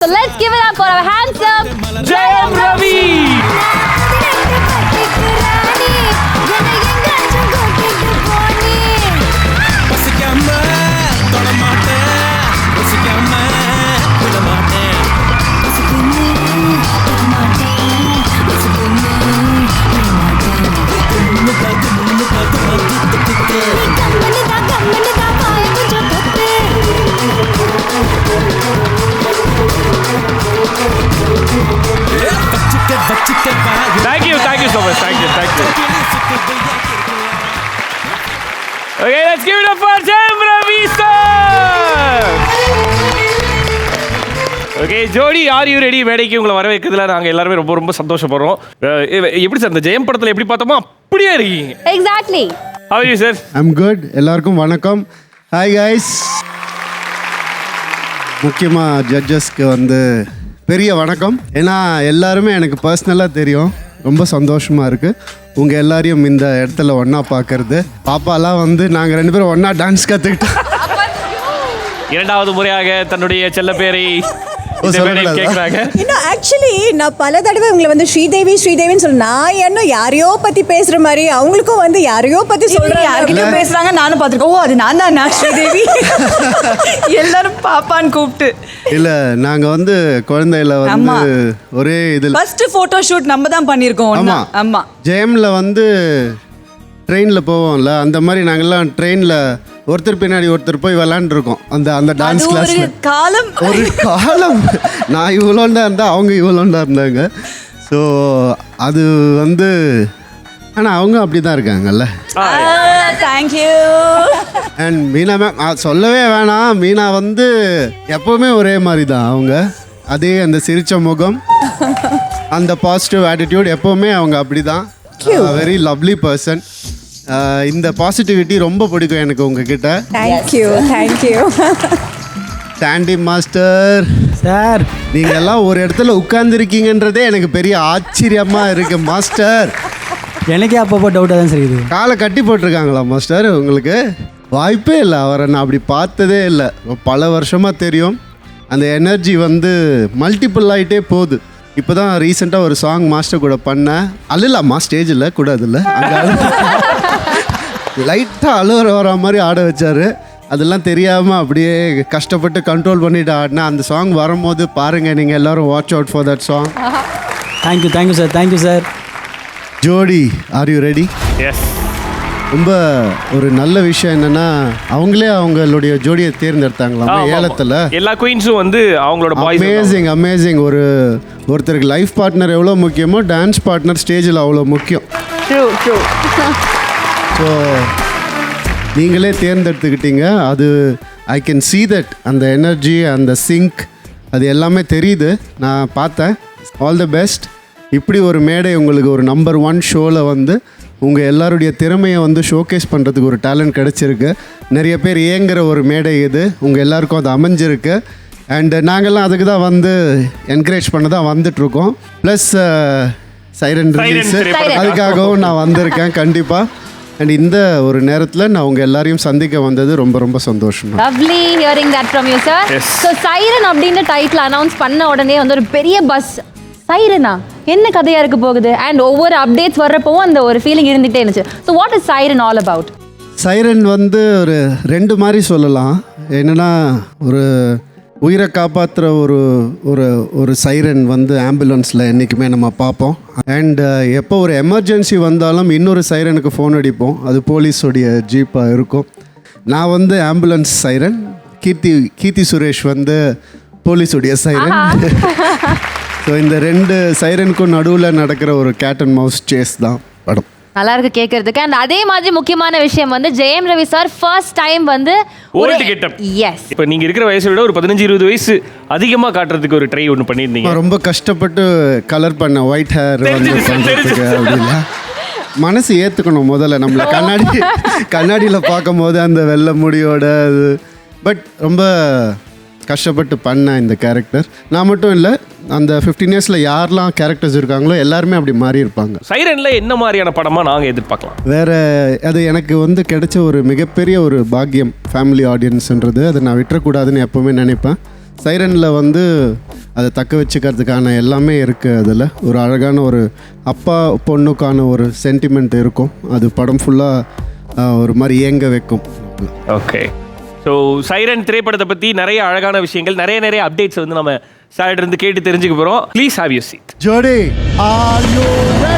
let's give it up for our handsome Jayam Ravi. Thank you so much. Thank you. Okay, let's give it up for Jayam Ravi sir. Okay, Jodi are you ready? மேடைக்கு உங்களை வர வைக்கிறதுல நாங்கள் எல்லாருமே ரொம்ப ரொம்ப சந்தோஷப்படுறோம். எப்படி sir இந்த ஜெயம் படத்தில் எப்படி பார்த்தோமோ அப்படியே இருக்கீங்க. Exactly. How are you sir? I'm good. எல்லாருக்கும் வணக்கம். Hi guys. முக்கியமாக ஜட்ஜஸ்க்கு பெரிய வணக்கம். ஏன்னா எல்லாருமே எனக்கு பர்சனலாக தெரியும். ரொம்ப சந்தோஷமாக இருக்குது உங்கள் எல்லாரையும் இந்த இடத்துல ஒன்றா பார்க்கறது. பாப்பாலாம் நாங்கள் 2 பேரும் ஒன்றா டான்ஸ் கற்றுக்கிட்டோம். இரண்டாவது முறையாக தன்னுடைய செல்ல பேரை இன்னும் ஆக்சுவலி நான் பல தடவை உங்களை ஸ்ரீதேவின்னு சொல்ல, நான் என்ன யாரையோ பத்தி பேசுற மாதிரி அவங்களுக்கும் யாரையோ பத்தி சொல்றாங்க, யார்கிட்ட பேசுறாங்க நானும் பார்த்துருக்கேன். ஓ அது நான் தான் ஸ்ரீதேவி எல்லாரும் பாப்பான்னு கூப்பிட்டு. இல்ல நாங்க குழந்தையில ஒரே இதுல ஃபர்ஸ்ட் போட்டோ ஷூட் நம்ம தான் பண்ணிருக்கோம். ஆமா ஜெயம்ல ட்ரெயினில் போவோம்ல, அந்த மாதிரி நாங்கள்லாம் ட்ரெயினில் ஒருத்தர் பின்னாடி ஒருத்தர் போய் விளாண்டுருக்கோம். அந்த டான்ஸ் கிளாஸ் ஒரு காலம் நான் இவ்வளோண்டா இருந்தால் அவங்க இவ்வளோண்டா இருந்தாங்க. ஸோ அது ஆனால் அவங்க அப்படி தான் இருக்காங்கல்ல. தேங்க்யூ. அண்ட் மீனா மேம் சொல்லவே வேணாம். மீனா எப்போவுமே ஒரே மாதிரி தான். அவங்க அதே அந்த சிரிச்ச முகம், அந்த பாசிட்டிவ் ஆட்டிடியூட், எப்போவுமே அவங்க அப்படி தான். Very lovely person. இந்த பாசிட்டிவிட்டி ரொம்ப பிடிக்கும் எனக்கு உங்ககிட்ட. தேங்க்யூ. சாண்டி மாஸ்டர் சார், நீங்கள் எல்லாம் ஒரு இடத்துல உட்கார்ந்துருக்கீங்கன்றதே எனக்கு பெரிய ஆச்சரியமாக இருக்கு மாஸ்டர். எனக்கே அப்பப்போ டவுட்டாக தான் சரி. இது காலை கட்டி போட்டிருக்காங்களா மாஸ்டர்? உங்களுக்கு வாய்ப்பே இல்லை. அவரை நான் அப்படி பார்த்ததே இல்லை. பல வருஷமாக தெரியும். அந்த எனர்ஜி மல்டிபிள் ஆகிட்டே போகுது. இப்போ தான் ரீசெண்டாக ஒரு சாங் மாஸ்டர் கூட பண்ணேன். அழுலாமா ஸ்டேஜில் கூட? அதில் அங்கே லைட்டாக அழுகிற வர மாதிரி ஆட வச்சார். அதெல்லாம் தெரியாமல் அப்படியே கஷ்டப்பட்டு கண்ட்ரோல் பண்ணிட்டு ஆடினா அந்த சாங் வரும்போது பாருங்கள், நீங்கள் எல்லோரும் watch out for that song. Thank you sir. Jodi are you ready? Yes. ரொம்ப ஒரு நல்ல விஷயம் என்னன்னா, அவங்களே அவங்களுடைய ஜோடியை தேர்ந்தெடுத்தாங்களா ஏலத்தில். எல்லா குயின்ஸும் அவங்களோட பாய்ஸ். அமேசிங். ஒருத்தருக்கு லைஃப் பார்ட்னர் எவ்வளோ முக்கியமோ, டான்ஸ் பார்ட்னர் ஸ்டேஜில் அவ்வளோ முக்கியம். ஸோ நீங்களே தேர்ந்தெடுத்துக்கிட்டீங்க. அது ஐ கேன் see தட். அந்த எனர்ஜி, அந்த சிங்க், அது எல்லாமே தெரியுது. நான் பார்த்தேன். All the best. இப்படி ஒரு மேடை உங்களுக்கு ஒரு நம்பர் 1 ஷோவில் உங்கள் எல்லாருடைய திறமையை ஷோகேஸ் பண்ணுறதுக்கு ஒரு டேலண்ட் கிடச்சிருக்கு. நிறைய பேர் ஏங்குற ஒரு மேடை இது. உங்கள் எல்லாருக்கும் அது அமைஞ்சிருக்கு. அண்டு நாங்கள்லாம் அதுக்கு தான் என்கரேஜ் பண்ண தான் வந்துட்ருக்கோம். ப்ளஸ் சைரன் ரிலீஸ், அதுக்காகவும் நான் வந்திருக்கேன் கண்டிப்பாக. அண்ட் இந்த ஒரு நேரத்தில் நான் உங்கள் எல்லாரையும் சந்திக்க வந்தது ரொம்ப ரொம்ப சந்தோஷம். Lovely hearing that from you sir. So Siren அப்படின்ற டைட்டில் அனௌன்ஸ் பண்ண உடனே ஒரு பெரிய பஸ். சைரனா என்ன கதையாக இருக்க போகுது? அண்ட் ஒவ்வொரு அப்டேட்ஸ் வர்றப்பவும் அந்த ஒரு ஃபீலிங் இருந்துகிட்டே இருந்துச்சு. So what is Siren all about? Siren ஒரு 2 மாதிரி சொல்லலாம். என்னென்னா, ஒரு உயிரை காப்பாற்றுற ஒரு சைரன் ஆம்புலன்ஸில் என்றைக்குமே நம்ம பார்ப்போம். அண்ட் எப்போ ஒரு எமர்ஜென்சி வந்தாலும் இன்னொரு சைரனுக்கு ஃபோன் அடிப்போம். அது போலீஸோடைய ஜீப்பாக இருக்கும். நான் ஆம்புலன்ஸ் சைரன், கீர்த்தி சுரேஷ் போலீஸுடைய சைரன். ஸோ இந்த 2 சைரனுக்கும் நடுவில் நடக்கிற ஒரு கேட் அண்ட் மவுஸ் சேஸ் தான் படம். நல்லா இருக்கு கேட்கறதுக்கு. அண்ட் அதே மாதிரி முக்கியமான விஷயம் Jayam Ravi sir first time old getup. Yes. இப்போ நீங்க இருக்கிற வயசை விட ஒரு 15-20 வயசு அதிகமாக காட்டுறதுக்கு ஒரு ட்ரை ஒன்று பண்ணியிருந்தீங்க. ரொம்ப கஷ்டப்பட்டு கலர் பண்ண ஒயிட் ஹேர் பண்ணுறதுக்கு அப்படின்னா மனசு ஏற்றுக்கணும் முதல்ல. நம்மளை கண்ணாடியில் பார்க்கும் போது அந்த வெள்ளை முடியோட அது. பட் ரொம்ப கஷ்டப்பட்டு பண்ண இந்த கேரக்டர். நான் மட்டும் இல்லை, அந்த 15 இயர்ஸில் யாரெல்லாம் கேரக்டர்ஸ் இருக்காங்களோ எல்லாருமே அப்படி மாறி இருப்பாங்க. சைரனில் என்ன மாதிரியான படமாக நாங்கள் எதிர்பார்க்கலாம்? வேறு அது எனக்கு கிடைச்ச ஒரு மிகப்பெரிய ஒரு பாக்கியம் ஃபேமிலி ஆடியன்ஸ்ன்றது. அதை நான் விட்டுறக்கூடாதுன்னு எப்போவுமே நினைப்பேன். சைரனில் அதை தக்க வச்சுக்கிறதுக்கான எல்லாமே இருக்குது அதில். ஒரு அழகான ஒரு அப்பா பொண்ணுக்கான ஒரு சென்டிமெண்ட் இருக்கும். அது படம் ஃபுல்லாக ஒரு மாதிரி ஏங்க வைக்கும். ஓகே, ஸோ சைரன் திரைப்படத்தை பற்றி நிறைய அழகான விஷயங்கள், நிறைய அப்டேட்ஸ் வந்து நம்ம சார்ட்ட இருந்து கேட்டு தெரிஞ்சுக்க போகிறோம். Please have you seat. ஜோடி, are you ready?